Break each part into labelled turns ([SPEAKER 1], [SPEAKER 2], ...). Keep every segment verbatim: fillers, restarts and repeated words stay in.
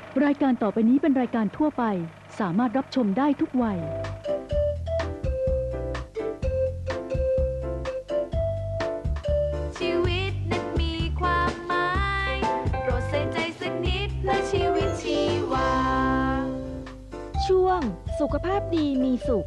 [SPEAKER 1] รายการต่อไปนี้เป็นรายการทั่วไปสามารถรับชมได้ทุกวัย
[SPEAKER 2] ชีวิตนั้นมีความหมายโปรดใส่ใจสักนิดเพื่อชีวิตชีวา
[SPEAKER 3] ช่วงสุขภาพดีมีสุข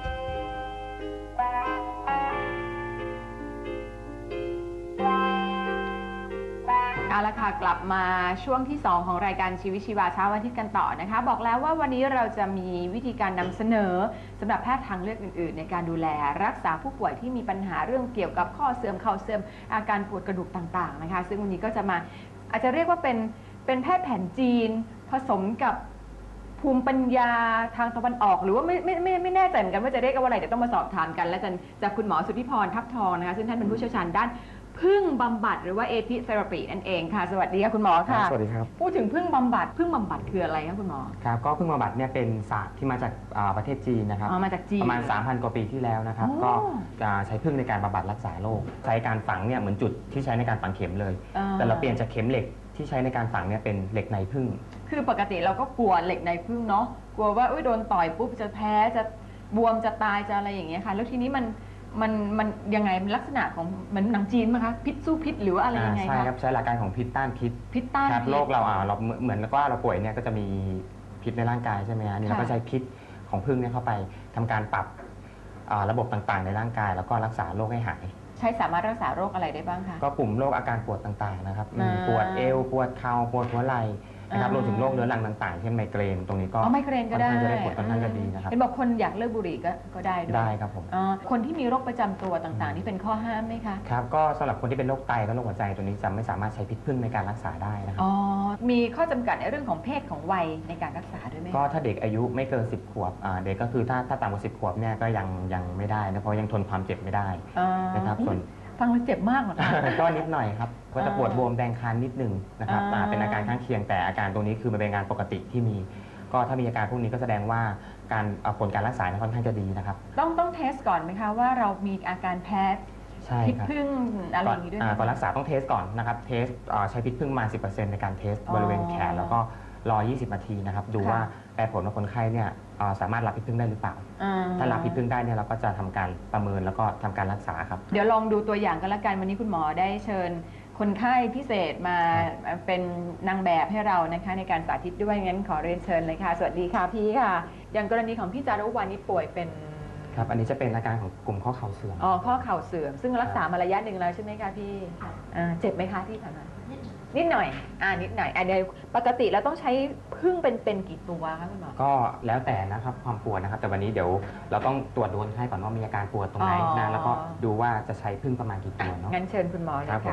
[SPEAKER 4] เอาละค่ะกลับมาช่วงที่สองของรายการชีวิตชีวาเช้าวันอาทิตย์กันต่อนะคะบอกแล้วว่าวันนี้เราจะมีวิธีการนำเสนอสำหรับแพทย์ทางเลือกอื่นๆในการดูแลรักษาผู้ป่วยที่มีปัญหาเรื่องเกี่ยวกับข้อเสื่อมเข่าเสื่อมอาการปวดกระดูกต่างๆนะคะซึ่งวันนี้ก็จะมาอาจจะเรียกว่าเป็นเป็นแพทย์แผนจีนผสมกับภูมิปัญญาทางตะวันออกหรือว่าไม่ไม่ไม่ไม่แน่ใจเหมือนกันว่าจะเรียกว่าอะไรเดี๋ยวต้องมาสอบถามกันและจะจากคุณหมอสุทธิพรทับทองนะคะซึ่งท่านเป็นผู้เชี่ยวชาญด้านพึ่งบำบัดหรือว่าเอพิเทอราปีนั่นเองค่ะสวัสดีค่ะคุณหมอค่ะ
[SPEAKER 5] สวัสดีครับ
[SPEAKER 4] พูดถึงพึ่งบำบัดพึ่งบำบัดคืออะไรคะคุณหมอ
[SPEAKER 5] ครับก็พึ่งบำบัดเนี่ยเป็นศาสตร์ที่มาจากประเทศจีนนะครับ
[SPEAKER 4] มาจากจีน
[SPEAKER 5] ประมาณ สามพัน กว่าปีที่แล้วนะครับก็ใช้พึ่งในการบำบัดรักษาโรคใช้การฝังเนี่ยเหมือนจุดที่ใช้ในการฝังเข็มเลยแต่เราเปลี่ยนจากเข็มเหล็กที่ใช้ในการฝังเนี่ยเป็นเหล็กในพึ่ง
[SPEAKER 4] คือปกติเราก็กลัวเหล็กในพึ่งเนาะกลัวว่าโดนต่อยปุ๊บจะแพ้จะบวมจะตายจะอะไรอย่างเงี้ยค่ะแล้วทีนี้มันมันมันยังไงลักษณะของเหมือนหนังจีนไหมคะพิษสู้พิษหรือว่าอะไรยังไงคะ
[SPEAKER 5] ใช่ครับใช้หลักการของพิษต้านพิษ
[SPEAKER 4] พิษต้าน
[SPEAKER 5] พิษโรคเราอ่าเราเหมือนกับว่าเราป่วยเนี่ยก็จะมีพิษในร่างกายใช่ไหมฮะนี่เราก็ใช้พิษของพึ่งเนี่ยเข้าไปทำการปรับระบบต่างๆในร่างกายแล้วก็รักษาโรคให้หาย
[SPEAKER 4] ใช้สามารถรักษาโรคอะไรได้บ้างคะ
[SPEAKER 5] ก็กลุ่มโรคอาการปวดต่างๆนะครับปวดเอวปวดเข่าปวดหัวไหล่นะครับรวมถึงโรคเรื้อรังต่างๆเช่นไมเกรนตรงนี้ก็
[SPEAKER 4] ไมเกรนก็ได้
[SPEAKER 5] จะได้ผลค่อนข้างจะดีนะครับ
[SPEAKER 4] เห็นบอกคนอยากเลิกบุหรี่ก็ก็ได้ด้วย
[SPEAKER 5] ได้ครับผม
[SPEAKER 4] คนที่มีโรคประจำตัวต่างๆนี่เป็นข้อห้ามไหมคะ
[SPEAKER 5] ครับก็สำหรับคนที่เป็นโรคไตและโรคหัวใจตัวนี้จะไม่สามารถใช้พิษพึ่งในการรักษาได้นะครับ
[SPEAKER 4] อ๋อมีข้อจำกัดในเรื่องของเพศของวัยในการรักษาด้วยไหม
[SPEAKER 5] ก็ถ้าเด็กอายุไม่เกินสิบขวบเด็กก็คือถ้าถ้าต่ำกว่าสิบขวบเนี่ยก็ยังยังไม่ได้นะเพราะยังทนความเจ็บไม่ได้นะครับส่วน
[SPEAKER 4] ฟังแล้วเจ็บมากเหรอคะ
[SPEAKER 5] ก็นิดหน่อยครับก็จะปวดบวมแดงคันนิดนึงนะครับเป็นอาการข้างเคียงแต่อาการตรงนี้คือมันเป็นอาการปกติที่มีก็ถ้ามีอาการพวกนี้ก็แสดงว่าการผลการรักษาค่อนข้างจะดีนะครับ
[SPEAKER 4] ต้องต้องเทสก่อนไหมคะว่าเรามีอาการแพ้พิษพึ่งอะไรอย่างนี้ด้วย
[SPEAKER 5] ก่อนรักษาต้องเทสก่อนนะครับเทสใช้พิษพึ่งมา สิบเปอร์เซ็นต์ ในการเทสบริเวณแขนแล้วก็รอยี่สิบนาทีนะครับดูว่าแปลผลว่าคนไข้เนี่ยสามารถรับพิษพึ่งได้หรือเปล่าถ้ารับพิษพึ่งได้เนี่ยเราก็จะทำการประเมินแล้วก็ทำการรักษาครับ
[SPEAKER 4] เดี๋ยวลองดูตัวอย่างกันละกันวันนี้คุณหมอได้เชิญคนไข้พิเศษมาเป็นนางแบบให้เรานะคะในการสาธิตด้วยงั้นขอเรียนเชิญเลยค่ะสวัสดีค่ะพี่ค่ะอย่างกรณีของพี่จารุวรรณนี่ป่วยเป็น
[SPEAKER 5] ครับอันนี้จะเป็นอาการของกลุ่มข้อเข่าเสื่อม
[SPEAKER 4] อ๋อข้อเข่าเสื่อมซึ่งรักษามาระยะหนึ่งแล้วใช่ไหมคะพี่เจ็บไหมคะที่ผ่านมานิดหน่อยอ่านิดหน่อยอ่าเดี๋ยวปกติเราต้องใช้พึ่งเป็นเป็นกี่ตัวคะคุณหมอ
[SPEAKER 5] ก็แล้วแต่นะครับความปวดนะครับแต่วันนี้เดี๋ยวเราต้องตรวจดูคนไข้ก่อนว่ามีอาการปวดตรงไหนนะแล้วก็ดูว่าจะใช้พึ่งประมาณกี่ตัวเนาะ
[SPEAKER 4] งั้นเชิญคุณหมอเลยค่ะ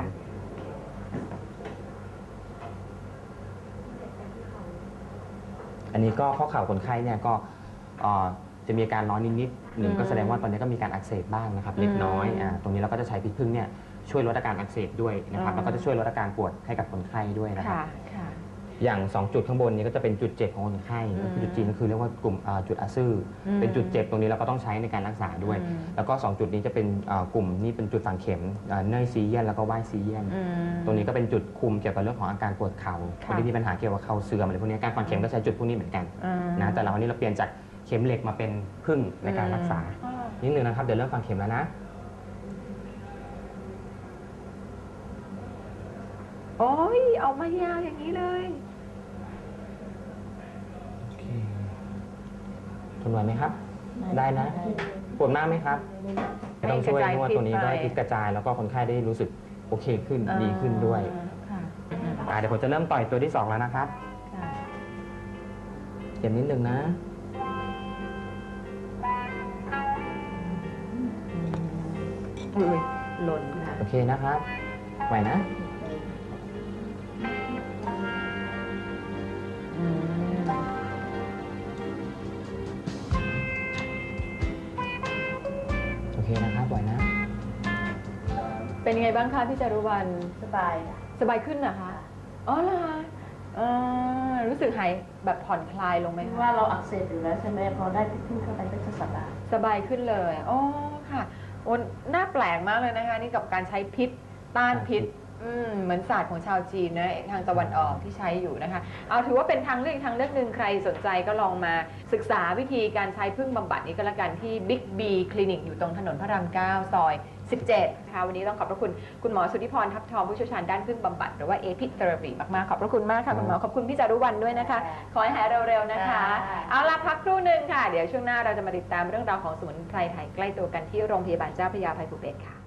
[SPEAKER 5] อันนี้ก็ข้อเข่าคนไข้เนี่ยก็จะมีอาการร้อนนิดๆหนึ่งก็แสดงว่าตอนนี้ก็มีการอักเสบบ้างนะครับเล็กน้อยอ่าตรงนี้เราก็จะใช้พิษพึ่งเนี่ยช่วยลดอาการอักเสบด้วยนะครับแล้วก็จะช่วยลดอาการปวดให้กับคนไข้ด้วยนะครับอย่างสองจุดข้างบนนี้ก็จะเป็นจุดเจ็บของคนไข้จุดจีนก็คือเรียกว่ากลุ่มจุดอาซื่อเป็นจุดเจ็บตรงนี้เราก็ต้องใช้ในการรักษาด้วยแล้วก็สองจุดนี้จะเป็นกลุ่มนี่เป็นจุดฝังเข็มเนยซีเยียนแล้วก็ว่ายซีเยียนตรงนี้ก็เป็นจุดคุมเกี่ยวกับเรื่องของอาการปวดเข่าคนที่มีปัญหาเกี่ยวกับเข่าเสื่อมอะไรพวกนี้การฝังเข็มก็ใช้จุดพวกนี้เหมือนกันนะแต่เราวันนี้เราเปลี่ยนจากเข็มเหล็กมาเป็นพึ่งในการรักษานิดนึงนะครับเดี๋ยวเริ่มฝังเข็มแล้วนะ
[SPEAKER 4] โอ้ยออกมายาวอย่างนี้เลย
[SPEAKER 5] ทนไหวไหมครับได้นะปวดมากไหมครับต้องช่วยนวดตัวนี้ด้วยพิษกระจายแล้วก็คนไข้ได้รู้สึกโอเคขึ้นดีขึ้นด้วยเดี๋ยวผมจะเริ่มต่อยตัวที่สองแล้วนะครับเจ็บนิดนึงนะ
[SPEAKER 4] อุ้ยหล่นค่ะ
[SPEAKER 5] โอเคนะครับไหวนะโอเคนะครับไหวนะ
[SPEAKER 4] เป็นยังไงบ้างคะพี่จารุวรรณ
[SPEAKER 3] สบาย
[SPEAKER 4] สบายขึ้นเหรอคะอ๋อเหรอคะรู้สึกหายแบบผ่อนคลายลงไหมคะ
[SPEAKER 3] ว่าเราอักเสบอยู่แล้วใช่ไหมพอได้พิษพึ่งเข้าไปก็จะสบาย
[SPEAKER 4] สบายขึ้นเลยอ๋อค่ะโอ้น่าแปลกมากเลยนะคะนี่กับการใช้พิษต้านพิษอืมเหมือนศาสตร์ของชาวจีนนะทางตะวันออกที่ใช้อยู่นะคะเอาถือว่าเป็นทางเลือกอีกทางเลือกหนึ่งใครสนใจก็ลองมาศึกษาวิธีการใช้พึ่งบำบัดนี้ก็แล้วกันที่ Big B คลินิกอยู่ตรงถนนพระรามเก้าซอยสิบเจ็ดค่ะวันนี้ต้องขอบพระคุณคุณหมอสุทธิพรทับทองผู้เชี่ยวชาญด้านพึ่งบำบัดหรือว่าเอพิเทอราปีมากๆขอบพระคุณมากค่ะคุณหมอขอบคุณพี่จารุวรรณด้วยนะคะขอให้หายเร็วๆนะคะเอาล่ะพักครู่หนึ่งค่ะเดี๋ยวช่วงหน้าเราจะมาติดตามเรื่องราวของสมุนไพรไทยใกล้ตัวกันที่โรงพยาบาลเจ้าพระยาอภัยภูเบศรค่ะ